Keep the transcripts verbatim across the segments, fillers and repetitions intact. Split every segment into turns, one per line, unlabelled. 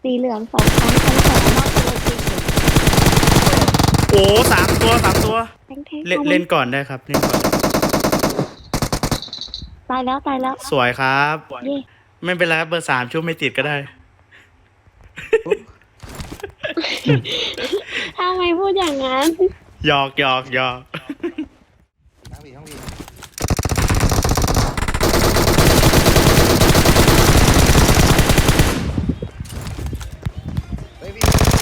สีเหลืองสองครั้งชั้นสองนอกโลเคชั่น
โอ้สามตัวสามตัว
แทงแทง
เล่นเล่นก่อนได้ครับเล่นก่อน
ตายแล้วตายแล้ว
สวยครับ
เย่
ไม่เป็นไรครับเบอร์สามชุบไม่ติดก็ได้
ทำไมพูดอย่างนั้น
หยอกหยอกหยอก
ทั้งวีทั้งวีเฮ้ยพี่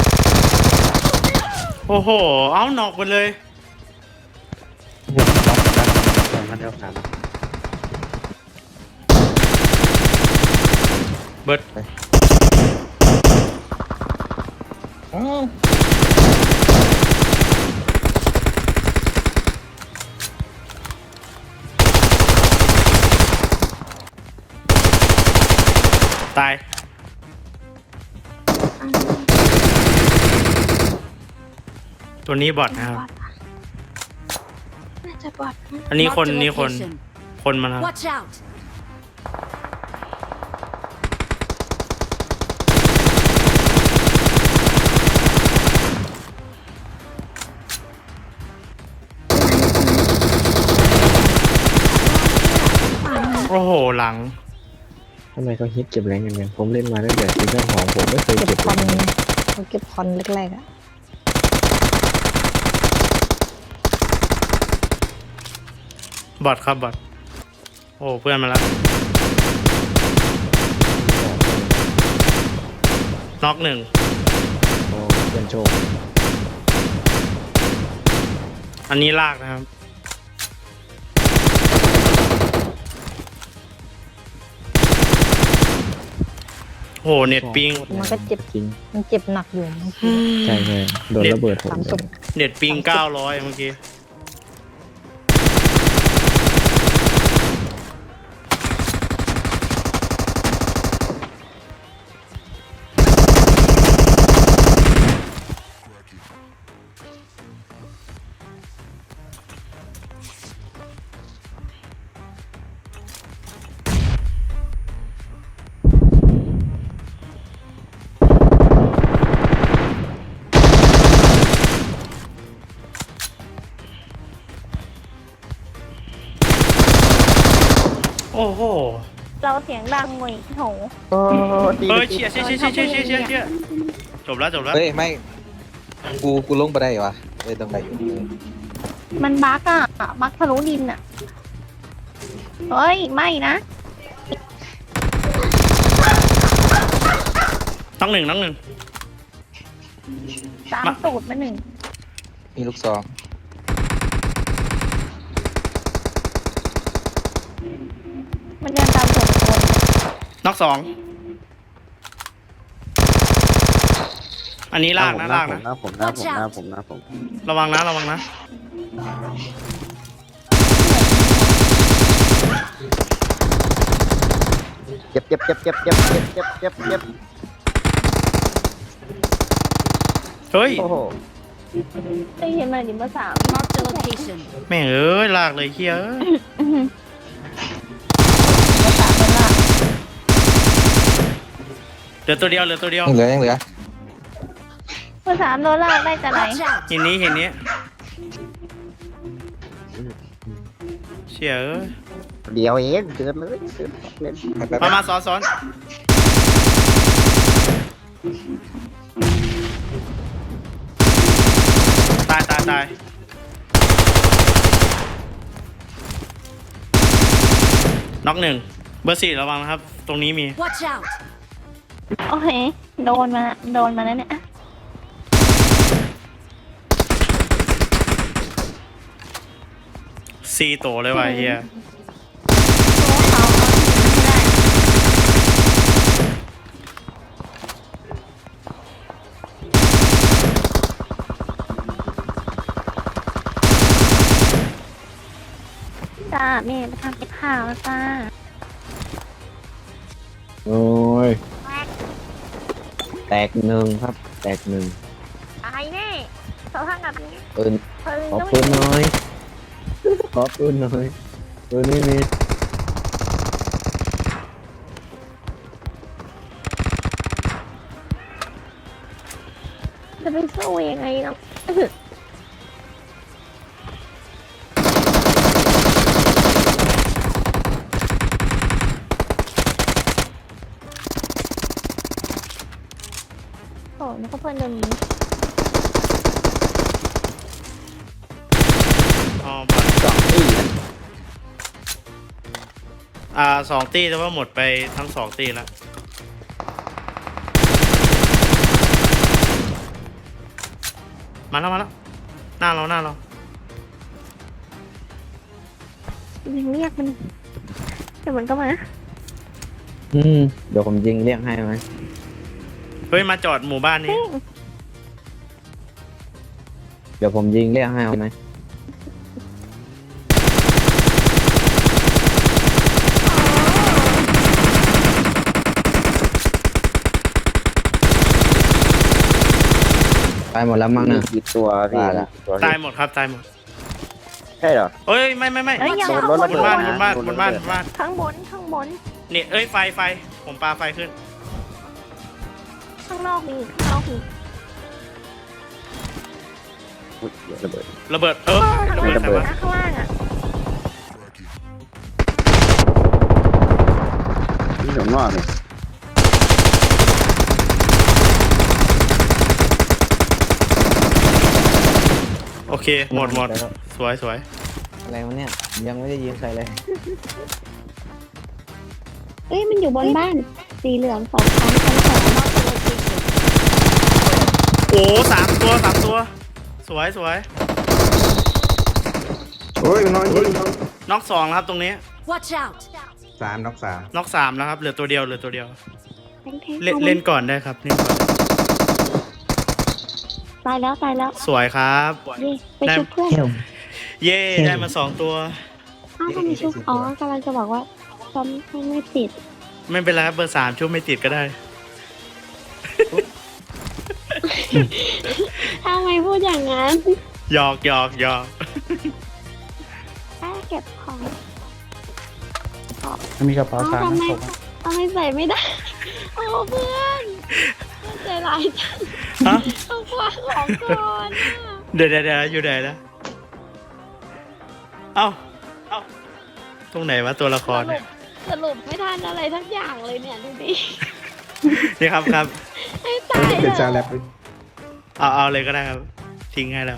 โอ้โห เอาหนอกไปเลย
มันเดียวกัน
เบิร์ด
อ๋อ
ตาย ตัวนี้บอทนะครับ
น่าจะบอดนะ
อันนี้คน
Marked a
นี่คน
location.
คนมาครับ
Watch out!
โอ้โห หลัง
ทำไมเขาฮิตเก็บแรงกันเนี่ยผมเล่นมาตั้งแต่ซีซั่นสองผมไม่เคย
เก็
เก็
บบ คอน
เลย
เขาเก็บคอนแรกๆอ่ะ
บอทครับบอทโอ้เพื่อนมาแล้วน็อกหนึ่ง
โอ้เพื่อนโชค
อันนี้ลากนะครับ โอ้โหเน็ตปิง
มันก็เจ็บ
จริง
มันเจ็บหนักอยู่เมื่อกี้
ใช่ใช่โดนระเบิดผม
สามศพ
เน็ตปิงเก้าร้อยเมื่อกี้ โอ้โห
เราเสียงดังหน่อยโห
โอ้ดี
เฮ้ยเชียร์เชียร์เชียร์เชียร์เชียร์เชียร์เชียร์เชียร์จบแล้วจบแล้ว
เฮ้ยไม่กูกูลงไปได้วะเอ้ยตรงไหนอยู่
มันบั๊กอ่ะบั๊กทะลุดินอ่ะ เฮ้ย ไม่นะ
น้องหนึ่งน้องหนึ่ง
ตาม
มา
ตูดมาหนึ่ง
มีลูกซอง
มันเดินตามตูดคน
น็อกสองอันนี้ลากนะลากนะ
หน้าผมหน้าผมหน้าผมหน้าผม
ระวังนะระวังนะ
เจ็บเจ็บเจ็บเจ็บเจ็บเจ็บเจ็บเจ็บเจ็บ
เฮ้ย
โอ้โห
ได้ยินมาดิเบอร์สาม
Marked a location.
แม่งเอ้ยลากเลยเฮียเอ้ย
เบอร์สามเป็นล่ะ
เหลือตัวเดียวเหลือตัวเดียว
ยังเหลือยังเหลือ
เบอร์สามโดนลากได้จะไหน
Watch out!
เห็นนี้เห็นนี้เชี่ยเอ้ย
เดี๋ยวเองเกินเลยเกินเล่นไปไปไป
มามาซ้อนซ้อนตายตายตายน็อกหนึ่งเบอร์สี่ระวังนะครับ ตรงนี้มี
Watch out!
โอเค โดนมา โดนมาแล้วเนี่ย
ซีโตเลยว่ะเฮีย
จ้าแม่ไปทำกับข้าวแล้วจ้า
โอ้ยแตกหนึ่งครับ แตกหนึ่ง
ตายแน่เขาทำแบบนี้
ปืน
เพิ่ง
ขอ
ต้อง
ปืนหน่อยขอปืนหน่อยปืนไม่มี
ตจะไปสู้ยังไงเนาะโอ้นึกว่าเพื่อนโดนยิง
อ๋อบอท
สองตีนะ
อ่าสองตีแต่ว่าหมดไปทั้งสองตีแล้วมาแล้วมาแล้วหน้าเราหน้าเรา
ยังเรียกมันเดี๋ยวมันก็มา
อืมเดี๋ยวผมยิงเรียกให้ไหม
เฮ้ยมาจอดหมู่บ้านนี้
เฮ้ย
เดี๋ยวผมยิงเรียกให้เอาไหมตายหมดแล้วมั้ง
มี
เนี่ย
กี่ตัวพี่
ตายละ
มีกี่ตัว
ตายหมดครับตายหมด
ใช่เหรอ
เอ้ยไม่ไม่ไม่
เอ้ยอย่า
โดน
ข้าง
รถ
บ
ระ
น
เบิ
บ
ด
นบ้าน
ข้าง
บบ น
น
บ้านบนบ้านบนบ้าน
ข้างบนข้างบน
นี่เอ้ยไฟไฟผมปาไฟขึ้น
ข้างนอกมีข้างนอกมี
อุ๊ยเดี๋ยวระเบิด
ระเบิดเออ
ข้าง
ระเบิด
ล่าง
ใส่วะ
นะข้างล่างอ่ะ
นี่ผมว่าเลย
โอเคหมดหมดสวยสวย
อะไรวะเนี่ยยังไม่ได้ยิงใครเลย
เอ้ยมันอยู่บนบ้าน สีเหลืองสองชั้นชั้นสองนอกตัวจริง
โอ้สามตัวสามตัว สวยสวย
โอ้ยน้อยจริง
น็อกสองแล้วครับตรงนี้
Watch out!
สามนอกสาม
น็อกสามแล้วครับเหลือตัวเดียวเหลือตัวเดียว
แทงแทง
เล่นเล่นก่อนได้ครับเล่นก่อน
ตายแล้วตายแล้ว
สวยครับ
เย่ไปชุบเพื่อน
เย่ได้มาสองตัว
อ้าวทำไมชุบอ๋อกำลังจะบอกว่าซ้ำไม่ติด
ไม่เป็นไรครับเบอร์สามชุบไม่ติดก็ได้
ทำไมพูดอย่างนั้น
หยอกหยอกหยอก
ถ้าเก็บของ
มีกระเป๋า
อ๋อ
สาม
ทำไม
นะผม
ทำไมใส่ไม่ได้ โอ้เพื่อนเพื่อนใจร้ายจัง
ฮะ
ต้องคว้าของก่อนอะ
เดี๋ยวเดี๋ยวเดี๋ยวอยู่ไหนนะเอ้าเอ้าตรงไหนวะตัวละคร
สรุ
เนี่ย
ปสรุปไม่ทันอะไรทั้งอย่างเลยเนี่ยดูดิ
นี่ครับครับ
ให้ตาย
เป็นซา
เล
แล
ย
บ
เอาเอาเลยก็ได้ครับ ทิ้งให้แล้ว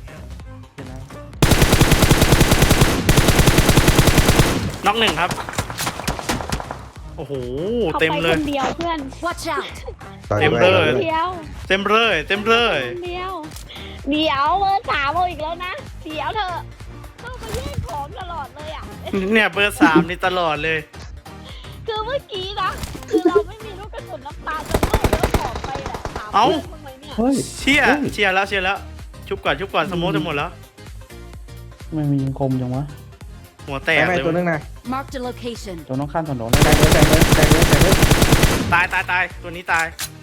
น็อกหนึ่งครับ โอ้โห
เขา
เต็ม
ไป
เล
ค
ย
นเดียวเพื่อน
Watch out!
ต่อย
เต็ม
ด้วย
เลย
เดียว
เต็มเลย เต็มเลย
คนเดียว เดี๋ยวเบอร์สามเอาอีกแล้วนะ เดี๋ยวเธอะต้องมาแย่งของตลอดเลยอ่ะ
เนี่ยเบอร์สามนี่ตลอดเลย
คือเมื่อกี้นะ คือเราไม่มีลูกกระสุนน้ำตาจะเลิกแล้วของไปแหละถาม
เอ้า
เพื่อนทำไมเนี่ย
เฮ้ย
เชียร์เชียร์แล้วเชียร์แล้ว ชุบก่อนชุบก่อนสโมองจะหมดแล้ว
ไม่มียิงคมจังวะ
หัวแต
แต
ก
กไป
เลย
ตัวนึงนะ
Marked a location.
ตัวน้องข้ามถนนเลย
แตกเลยแตกเลยแตกเลยแตกเลย
ตายตายตายตัวนี้ตาย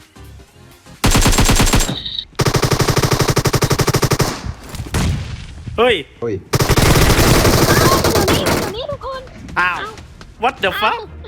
เฮ้ย
โอ้ย
อยู่นี่อยู่นี่ทุกคน
อ้าว what the fuck
เอ้า